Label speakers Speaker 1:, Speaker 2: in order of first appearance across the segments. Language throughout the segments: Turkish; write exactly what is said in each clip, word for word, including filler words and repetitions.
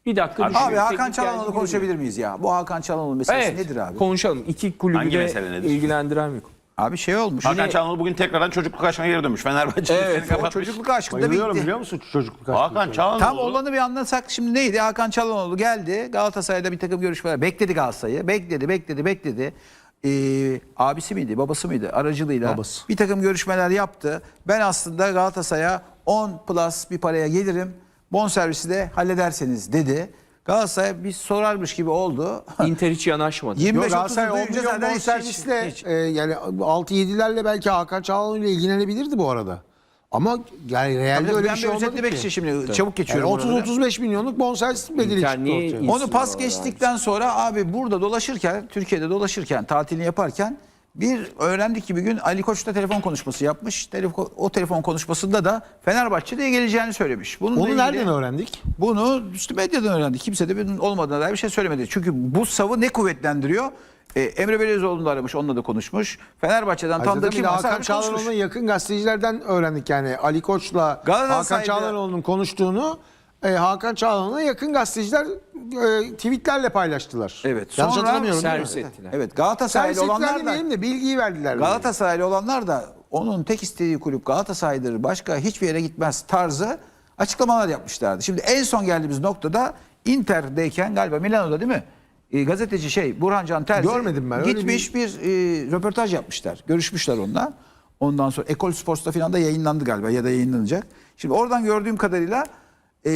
Speaker 1: Bir dakika
Speaker 2: Abi,
Speaker 1: düşünüyorum.
Speaker 3: Abi Hakan
Speaker 1: Teknik
Speaker 3: Çalhanoğlu
Speaker 1: geldi
Speaker 3: konuşabilir miyiz ya? Bu Hakan Çalhanoğlu meselesi
Speaker 1: Evet,
Speaker 3: nedir abi?
Speaker 1: konuşalım. İki kulübü
Speaker 2: Hangi
Speaker 1: de
Speaker 2: mesele nedir?
Speaker 1: ilgilendiren bir konu.
Speaker 3: Abi şey olmuş.
Speaker 2: Hakan Çalhanoğlu bugün tekrardan çocukluk aşkına geri dönmüş. Fenerbahçe
Speaker 3: Evet,
Speaker 2: seni
Speaker 3: o
Speaker 2: kapatmış.
Speaker 3: çocukluk aşkında
Speaker 4: Bayılıyorum
Speaker 3: bitti.
Speaker 4: biliyor musun çocukluk aşkı?
Speaker 2: Hakan Çalhanoğlu.
Speaker 3: Tam olanı bir anlatsak şimdi neydi? Hakan Çalhanoğlu geldi. Galatasaray'da bir takım görüşmeler. Bekledi Galatasaray'ı. Bekledi, bekledi, bekledi. Ee, abisi miydi, babası mıydı? Aracılığıyla
Speaker 4: Babası.
Speaker 3: bir takım görüşmeler yaptı. Ben aslında Galatasaray'a on plus bir paraya gelirim. Bonservisi de hallederseniz dedi. Galatasaray bir sorarmış gibi oldu.
Speaker 1: Inter hiç yanaşmadı.
Speaker 3: yirmi
Speaker 4: Yok
Speaker 3: beş otuz
Speaker 4: Galatasaray on
Speaker 3: duyunca
Speaker 4: milyon
Speaker 3: zaten hiç-
Speaker 4: bonservisle
Speaker 3: hiç-
Speaker 4: e, yani altı yedilerle belki Hakan Çalhanoğlu ile ilgilenebilirdi bu arada. Ama yani realde
Speaker 3: Tabii
Speaker 4: öyle
Speaker 3: ben
Speaker 4: bir şey
Speaker 3: bir
Speaker 4: olmadı
Speaker 3: özetlemek
Speaker 4: ki.
Speaker 3: için şimdi çabuk geçiyorum.
Speaker 4: Yani
Speaker 3: oraları.
Speaker 4: otuz otuz beş milyonluk bonservis bedeli
Speaker 1: İnter
Speaker 4: çıktı
Speaker 1: niye
Speaker 4: ortaya.
Speaker 1: iyi-
Speaker 3: Onu pas
Speaker 1: İnsin
Speaker 3: geçtikten sonra abi burada dolaşırken, Türkiye'de dolaşırken, tatilini yaparken bir öğrendik ki bir gün Ali Koç'ta telefon konuşması yapmış. Telefon, o telefon konuşmasında da Fenerbahçe'de geleceğini söylemiş. Bununla
Speaker 4: Onu
Speaker 3: ilgili-
Speaker 4: nereden öğrendik?
Speaker 3: Bunu işte medyadan öğrendik. Kimse de bunun olmadığına dair bir şey söylemedi. Çünkü bu savı ne kuvvetlendiriyor? Ee, Emre Belözoğlu'nu da aramış, onunla da konuşmuş. Fenerbahçe'den tam da
Speaker 4: Ayrıca
Speaker 3: kim
Speaker 4: bir de
Speaker 3: varsa
Speaker 4: Hakan
Speaker 3: aramış, konuşmuş.
Speaker 4: Çalhanoğlu'na yakın gazetecilerden öğrendik yani Ali Koç'la Hakan
Speaker 3: Galatasaray'da-
Speaker 4: Çalhanoğlu'nun konuştuğunu e, Hakan Çalhanoğlu'na yakın gazeteciler e, tweetlerle paylaştılar.
Speaker 3: Evet.
Speaker 4: Yanlış
Speaker 3: Sonra
Speaker 4: hatırlamıyorum değil mi?
Speaker 1: servis ettiler.
Speaker 3: Evet, Galatasaraylı
Speaker 4: Servis
Speaker 3: olanlar
Speaker 4: ettiler
Speaker 3: da
Speaker 4: demeyelim de bilgiyi verdiler.
Speaker 3: Galatasaraylı olanlar da onun tek istediği kulüp Galatasaray'dır. Başka hiçbir yere gitmez tarzı açıklamalar yapmışlardı. Şimdi en son geldiğimiz noktada Inter'deyken galiba Milano'da değil mi? E, gazeteci şey Burhan Can Terzi
Speaker 4: Görmedim ben, öyle
Speaker 3: gitmiş bir, e, röportaj yapmışlar. Görüşmüşler onunla. Ondan sonra Ekol Sports'ta falan da yayınlandı galiba ya da yayınlanacak. Şimdi oradan gördüğüm kadarıyla e,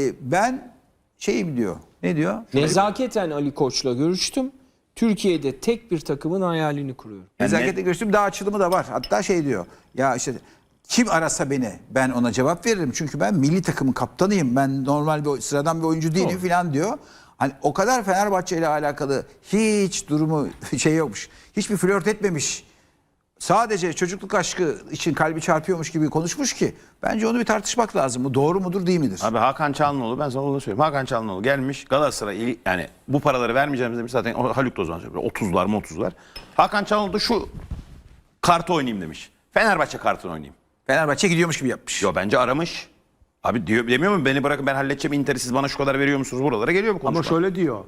Speaker 3: ben şeyim diyor. Ne diyor?
Speaker 1: Nezaketen Ali Koç'la görüştüm. Türkiye'de tek bir takımın hayalini kuruyorum.
Speaker 3: Nezaketle görüştüm, daha açılımı da var. Hatta şey diyor. Ya işte kim arasa beni ben ona cevap veririm. Çünkü ben milli takımın kaptanıyım. Ben normal bir sıradan bir oyuncu değilim falan diyor. Hani o kadar Fenerbahçe ile alakalı hiç durumu şey yokmuş. Hiçbir flört etmemiş. Sadece çocukluk aşkı için kalbi çarpıyormuş gibi konuşmuş ki bence onu bir tartışmak lazım. Bu doğru mudur değil midir?
Speaker 2: Abi Hakan Çalhanoğlu, ben sana onu söyleyeyim. Hakan Çalhanoğlu gelmiş Galatasaray, yani bu paraları vermeyeceğimiz demiş zaten, o Haluk Dozan söylüyor. otuzlar mı otuzlar. Hakan Çalhanoğlu da şu kartı oynayayım demiş. Fenerbahçe kartını oynayayım.
Speaker 3: Fenerbahçe gidiyormuş gibi yapmış.
Speaker 2: Yo, bence aramış. Abi diyor, demiyor mu beni bırakın ben halledeceğim Inter'i, siz bana şu kadar veriyor musunuz, buralara geliyor mu konuşma?
Speaker 4: Ama şöyle diyor.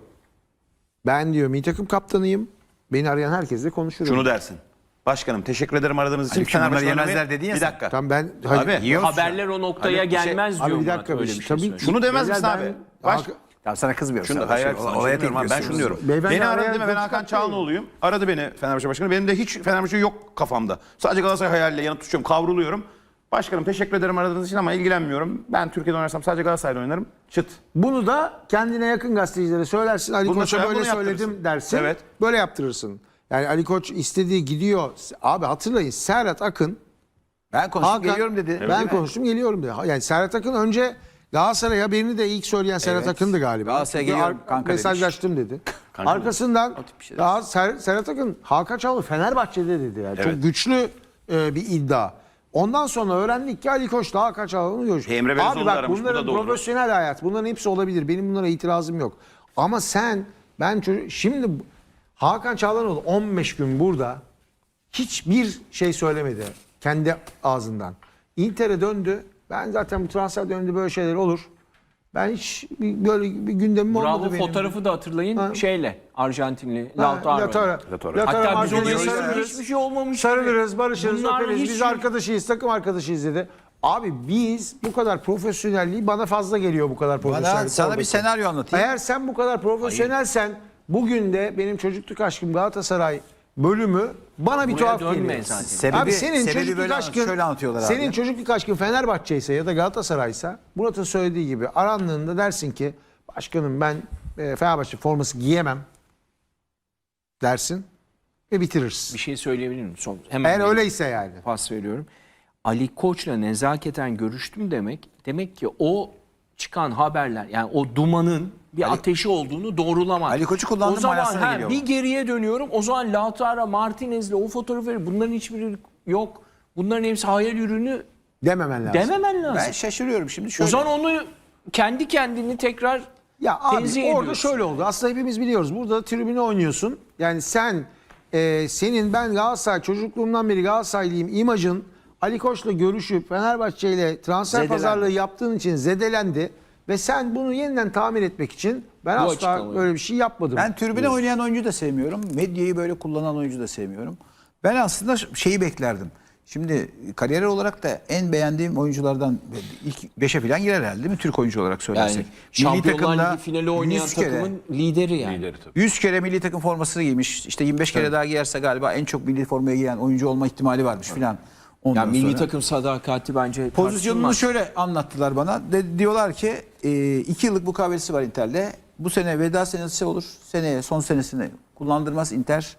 Speaker 4: Ben diyor milli takım kaptanıyım. Beni arayan herkesle konuşurum.
Speaker 2: Şunu dersin. Başkanım teşekkür ederim aradığınız için.
Speaker 3: Haluk, şunları
Speaker 2: Fenerbahçe
Speaker 3: yemezler
Speaker 2: oynamayı-
Speaker 3: dedin ya
Speaker 2: Bir
Speaker 3: sen.
Speaker 2: dakika.
Speaker 4: Tamam ben
Speaker 2: Abi,
Speaker 3: Yiyorsun.
Speaker 1: Haberler o noktaya
Speaker 2: Haluk bir şey-
Speaker 1: gelmez diyor
Speaker 4: Abi bir
Speaker 1: Murat,
Speaker 4: dakika
Speaker 1: öyle
Speaker 4: bir
Speaker 1: bir
Speaker 4: şey.
Speaker 1: şey
Speaker 4: Tabii
Speaker 1: söylüyor.
Speaker 2: Şunu demez misin
Speaker 4: Beyler,
Speaker 2: abi?
Speaker 4: ben-
Speaker 2: Baş...
Speaker 4: Hakan-
Speaker 3: Tamam, sana kızmıyorum.
Speaker 2: Şunu da
Speaker 3: Sana
Speaker 2: hayır,
Speaker 3: şey-
Speaker 2: hayır, sana
Speaker 3: olaya
Speaker 2: şunu demiyorum abi, ben şunu diyorum.
Speaker 4: Beyefendi
Speaker 2: Beni aradı
Speaker 4: araya
Speaker 2: değil mi? Ben
Speaker 4: göz
Speaker 2: Hakan
Speaker 4: kapatmayın.
Speaker 2: Çalhanoğlu'yum. Aradı beni Fenerbahçe Başkanı. Benim de hiç Fenerbahçe yok kafamda. Sadece Galatasaray hayaliyle yanıp tutuşuyorum, kavruluyorum. Başkanım teşekkür ederim aradığınız için ama ilgilenmiyorum. Ben Türkiye'de oynarsam sadece Galatasaray'da oynarım. Çıt.
Speaker 4: Bunu da kendine yakın gazetecilere söylersin. Ali
Speaker 2: Bunu
Speaker 4: Koç'a
Speaker 2: mesela
Speaker 4: böyle
Speaker 2: bunu
Speaker 4: söyledim
Speaker 2: yaptırırsın.
Speaker 4: dersin.
Speaker 2: Evet.
Speaker 4: Böyle yaptırırsın. Yani Ali Koç istediği gidiyor. Abi hatırlayın Serhat Akın
Speaker 3: Ben konuştum
Speaker 4: Hakan,
Speaker 3: geliyorum dedi.
Speaker 4: Ben konuştum geliyorum dedi. Yani Serhat Akın önce Galatasaray haberini de ilk söyleyen Serhat
Speaker 3: Evet.
Speaker 4: Akın'dı galiba.
Speaker 3: Galatasaray'a
Speaker 4: Çünkü
Speaker 3: geliyorum
Speaker 4: ar-
Speaker 3: kanka demiş.
Speaker 4: mesajlaştım dedi.
Speaker 2: Kanka
Speaker 4: Arkasından
Speaker 3: tip bir şey
Speaker 4: daha Ser- Serhat Akın Hakan Çalhanoğlu Fenerbahçe'de dedi. Yani.
Speaker 2: Evet.
Speaker 4: Çok güçlü e, bir iddia. Ondan sonra öğrendik ki Ali Koç'la Hakan Çalhanoğlu görüştü.
Speaker 2: Emre
Speaker 4: Abi
Speaker 2: Belözoğlu da
Speaker 4: bak
Speaker 2: aramış, bu
Speaker 4: bunların
Speaker 2: da doğru.
Speaker 4: profesyonel hayat. Bunların hepsi olabilir. Benim bunlara itirazım yok. Ama sen ben çocuk, şimdi Hakan Çalhanoğlu on beş gün burada hiçbir şey söylemedi kendi ağzından. Inter'e döndü. Ben zaten bu transfer döneminde böyle şeyler olur. Ben hiç bir, böyle bir gündemim olmadı
Speaker 1: Bravo,
Speaker 4: benim.
Speaker 1: fotoğrafı da hatırlayın
Speaker 4: Ha.
Speaker 1: şeyle, Arjantinli
Speaker 4: Ha,
Speaker 1: Lautaro.
Speaker 4: Lautaro.
Speaker 2: Lautaro.
Speaker 4: Lautaro
Speaker 1: Hatta biz
Speaker 4: Martinez'e
Speaker 1: ona
Speaker 4: sarılırız.
Speaker 1: hiçbir şey olmamış.
Speaker 4: Sarılırız, barışırız,
Speaker 1: Bunlar
Speaker 4: öperiz.
Speaker 1: hiç-
Speaker 4: Biz arkadaşıyız, takım arkadaşıyız dedi. Abi biz bu kadar profesyonelliği bana fazla geliyor bu kadar
Speaker 3: Bana,
Speaker 4: profesyonellik.
Speaker 3: sana bir
Speaker 4: oradaki.
Speaker 3: senaryo anlatayım.
Speaker 4: Eğer sen bu kadar profesyonelsen bugün de benim çocukluk aşkım Galatasaray bölümü bana bir
Speaker 1: Buraya
Speaker 4: tuhaf
Speaker 1: dönme
Speaker 4: geliyor.
Speaker 1: zaten.
Speaker 3: Sebebi-
Speaker 4: abi senin
Speaker 3: sebebi
Speaker 4: çocukluk
Speaker 3: böyle-
Speaker 4: aşkın
Speaker 3: şöyle anlatıyorlar abi.
Speaker 4: senin çocukluk aşkın Fenerbahçe ise ya da Galatasaray'sa Murat'ın söylediği gibi arandığında dersin ki başkanım ben e, Fenerbahçe forması giyemem dersin ve bitirirsin.
Speaker 1: Bir şey söyleyebilir miyim? Son, hemen
Speaker 4: Eğer
Speaker 1: bir
Speaker 4: öyleyse yani.
Speaker 1: pas veriyorum. Ali Koç'la nezaketen görüştüm demek, demek ki o çıkan haberler, yani o dumanın bir ateşi olduğunu doğrulamaz.
Speaker 3: Ali Koç'u kullandım
Speaker 1: O zaman
Speaker 3: manasına
Speaker 1: ha,
Speaker 3: geliyor
Speaker 1: bir
Speaker 3: bu.
Speaker 1: geriye dönüyorum. O zaman Lautaro Martinez'le o fotoğrafı, bunların hiçbiri yok. Bunların hepsi hayal ürünü
Speaker 4: Dememen lazım.
Speaker 1: dememen lazım.
Speaker 3: Ben şaşırıyorum şimdi
Speaker 1: O
Speaker 3: şöyle.
Speaker 1: zaman onu kendi kendini tekrar
Speaker 4: Ya abi
Speaker 1: tenzih
Speaker 4: orada
Speaker 1: ediyorsun.
Speaker 4: şöyle oldu. Aslında hepimiz biliyoruz. Burada tribüne oynuyorsun. Yani sen e, senin ben Galatasaray çocukluğumdan beri Galatasaraylıyım imajın Ali Koç'la görüşüp Fenerbahçe ile transfer
Speaker 3: Zedelendi.
Speaker 4: pazarlığı yaptığın için zedelendi. Ve sen bunu yeniden tamir etmek için ben
Speaker 1: Bu
Speaker 4: asla
Speaker 1: açıklamayı.
Speaker 4: böyle bir şey yapmadım.
Speaker 3: Ben tribüne
Speaker 4: diyorsun.
Speaker 3: oynayan oyuncu da sevmiyorum. Medyayı böyle kullanan oyuncu da sevmiyorum. Ben aslında şeyi beklerdim. Şimdi kariyer olarak da en beğendiğim oyunculardan ilk beşe falan girer herhalde değil mi? Türk oyuncu olarak söylersek.
Speaker 1: Yani
Speaker 3: Milli
Speaker 1: Şampiyonlar
Speaker 3: takımda
Speaker 1: Ligi finali oynayan
Speaker 3: yüz kere-
Speaker 1: takımın lideri yani.
Speaker 2: Lideri tabii.
Speaker 3: yüz kere milli takım formasını giymiş. İşte yirmi beş kere daha giyerse galiba en çok milli formaya giyen oyuncu olma ihtimali varmış filan. Ondan
Speaker 1: Yani milli
Speaker 3: sonra-
Speaker 1: takım sadakati bence
Speaker 3: Pozisyonunu
Speaker 1: tartışılmaz.
Speaker 3: şöyle anlattılar bana. De, diyorlar ki e, iki yıllık mukavelesi var Inter'le. Bu sene veda senesi olur. Seneye son senesini kullandırmaz Inter.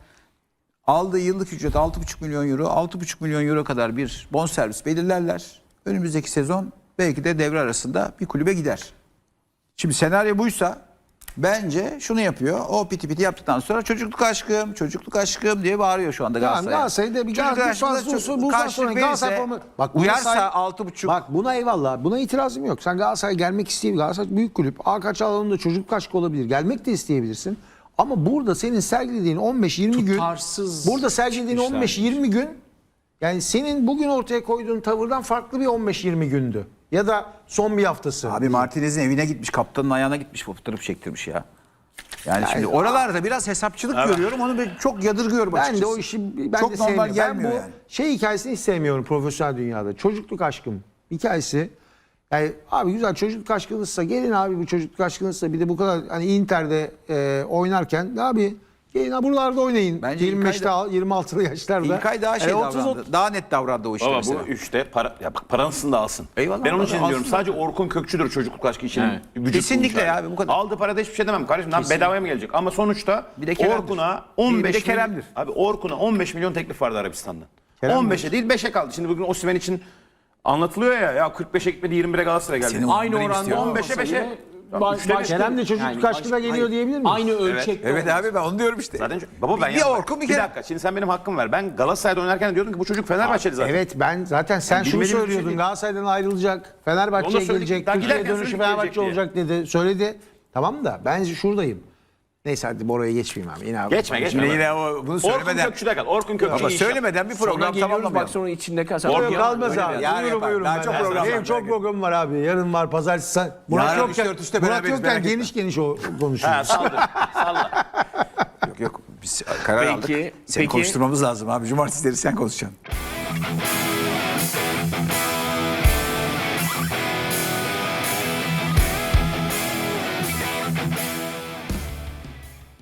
Speaker 3: Aldığı yıllık ücret altı buçuk milyon euro. altı buçuk milyon euro kadar bir bonservis belirlerler. Önümüzdeki sezon belki de devre arasında bir kulübe gider. Şimdi senaryo buysa bence şunu yapıyor. O piti piti yaptıktan sonra çocukluk aşkım, çocukluk aşkım diye bağırıyor şu anda
Speaker 4: Tamam,
Speaker 3: Galatasaray.
Speaker 4: Galatasaray'da bir
Speaker 3: Çocukluk
Speaker 4: Galatasaray
Speaker 3: aşkımda
Speaker 4: fazla olsa
Speaker 3: çok-
Speaker 4: bu
Speaker 3: karşılık
Speaker 4: sonra Galatasaray
Speaker 3: verirse,
Speaker 4: formu- Bak buna
Speaker 3: uyarsa
Speaker 4: say-
Speaker 3: altı buçuk.
Speaker 4: Bak buna eyvallah. Buna itirazım yok. Sen Galatasaray gelmek isteyebilir. Galatasaray büyük kulüp. Hakan Çalhanoğlu'nun da çocukluk aşkı olabilir. Gelmek de isteyebilirsin. Ama burada senin sergilediğin on beş yirmi gün
Speaker 1: Tutarsız
Speaker 4: burada sergilediğin
Speaker 2: çıkmışlar.
Speaker 4: on beş yirmi gün yani senin bugün ortaya koyduğun tavırdan farklı bir on beş yirmi gündü. Ya da son bir haftası.
Speaker 3: Abi Martinez'in evine gitmiş, kaptanın ayağına gitmiş, fotoğraf çektirmiş ya. Yani şimdi oralarda biraz hesapçılık görüyorum. Onu ben çok yadırgıyorum
Speaker 4: Ben
Speaker 3: açıkçası.
Speaker 4: de o işi ben
Speaker 3: çok
Speaker 4: de
Speaker 3: normal
Speaker 4: sevmiyorum.
Speaker 3: gelmiyor
Speaker 4: Ben bu
Speaker 3: yani.
Speaker 4: şey hikayesini hiç sevmiyorum profesyonel dünyada. Çocukluk aşkım hikayesi. Yani abi güzel çocukluk aşkınızsa gelin abi bu çocukluk aşkınızsa bir de bu kadar hani Inter'de e, oynarken abi gelin ha buralarda oynayın.
Speaker 3: Bence
Speaker 4: yirmi beşte yirmi altılı yaşlarda.
Speaker 3: İlkay daha şey
Speaker 4: Yani otuz,
Speaker 3: davrandı. Daha net davrandı o işte
Speaker 2: Baba
Speaker 3: mesela.
Speaker 2: bu üçte para, ya bak parasını da alsın.
Speaker 3: Eyvallah,
Speaker 2: ben onun için
Speaker 3: alsın
Speaker 2: diyorum
Speaker 3: da.
Speaker 2: sadece Orkun Kökçü'dür çocukluk aşkı için.
Speaker 1: Evet.
Speaker 2: vücut
Speaker 3: Kesinlikle
Speaker 2: bulmuş
Speaker 3: ya
Speaker 2: abi.
Speaker 3: abi, bu kadar.
Speaker 2: Aldığı parada hiçbir şey demem kardeşim. Lan bedavaya mı gelecek? Ama sonuçta
Speaker 3: Bir de Kerem'dir.
Speaker 2: Orkun'a
Speaker 3: Bir
Speaker 2: on
Speaker 3: de
Speaker 2: beş
Speaker 3: Kerem'dir.
Speaker 2: milyon, abi Orkun'a on beş milyon teklif vardı Arabistan'dan.
Speaker 4: Kerem
Speaker 2: on beşe değil beşe kaldı. Şimdi bugün Osimhen için anlatılıyor ya ya kırk beşe gitmedi yirmi bire Galatasaray geldi.
Speaker 3: Senin
Speaker 1: Aynı
Speaker 3: Benim
Speaker 1: oranda
Speaker 3: istiyorum.
Speaker 2: on beşe
Speaker 1: olmasa
Speaker 2: beşe.
Speaker 1: bile
Speaker 2: Tamam,
Speaker 1: ba-
Speaker 2: üçte bir.
Speaker 1: başka-
Speaker 4: Kerem de çocukluk
Speaker 1: yani
Speaker 4: aşkına
Speaker 1: başka-
Speaker 4: geliyor diyebilir miyiz?
Speaker 1: Aynı ölçekte.
Speaker 3: Evet abi ben onu diyorum işte.
Speaker 2: Zaten baba ben
Speaker 3: bir, bir
Speaker 2: ya-
Speaker 3: Orkun bir
Speaker 2: bir
Speaker 3: kere.
Speaker 2: dakika şimdi sen benim hakkımı ver. Ben Galatasaray'da oynarken diyordum ki bu çocuk Fenerbahçeli zaten.
Speaker 4: Evet ben zaten sen
Speaker 2: Yani
Speaker 4: şunu
Speaker 2: bilmediğim bir şey
Speaker 4: söylüyordun.
Speaker 2: değil.
Speaker 4: Galatasaray'dan ayrılacak.
Speaker 2: Onu
Speaker 4: Fenerbahçe'ye
Speaker 2: da söyledik.
Speaker 4: gelecek.
Speaker 2: Daha
Speaker 4: Türkiye
Speaker 2: giderken
Speaker 4: dönüşü
Speaker 2: söyledik
Speaker 4: Fenerbahçe
Speaker 2: gelecek
Speaker 4: olacak dedi. Söyledi. Tamam da ben şuradayım. Neyse hadi Bora'ya geçmeyeyim abi. Yine abi.
Speaker 2: Geçme geçme.
Speaker 3: Şimdi yine o, bunu
Speaker 2: Orkun
Speaker 3: söylemeden.
Speaker 2: Kökçü'de kal. Orkun Kökçü
Speaker 3: Ama
Speaker 2: iyi iş yap.
Speaker 3: söylemeden bir
Speaker 1: Sonra
Speaker 3: program
Speaker 1: geliyoruz bak
Speaker 3: tamamlamayalım.
Speaker 1: sonra içinde
Speaker 4: Yok
Speaker 1: kasar.
Speaker 4: kalmaz abi.
Speaker 3: Yarın
Speaker 4: Buyurun
Speaker 3: yapar.
Speaker 4: buyurun.
Speaker 3: Daha
Speaker 4: ben
Speaker 3: çok
Speaker 4: de-
Speaker 3: program
Speaker 4: Benim
Speaker 3: var,
Speaker 4: çok
Speaker 3: belki.
Speaker 4: programım var abi. Yarın var pazartesi. Sen- Murat
Speaker 3: Yarın
Speaker 4: yokken,
Speaker 3: üç dört üçte
Speaker 4: Murat
Speaker 3: beraberiz,
Speaker 4: yokken
Speaker 3: merak
Speaker 4: geniş
Speaker 3: etme.
Speaker 4: geniş o konuşuyor.
Speaker 2: Ha saldır. Salla.
Speaker 3: Yok yok biz karar
Speaker 1: Peki,
Speaker 3: aldık. Seni
Speaker 1: peki.
Speaker 3: konuşturmamız lazım abi. Cumartesileri sen konuşacaksın.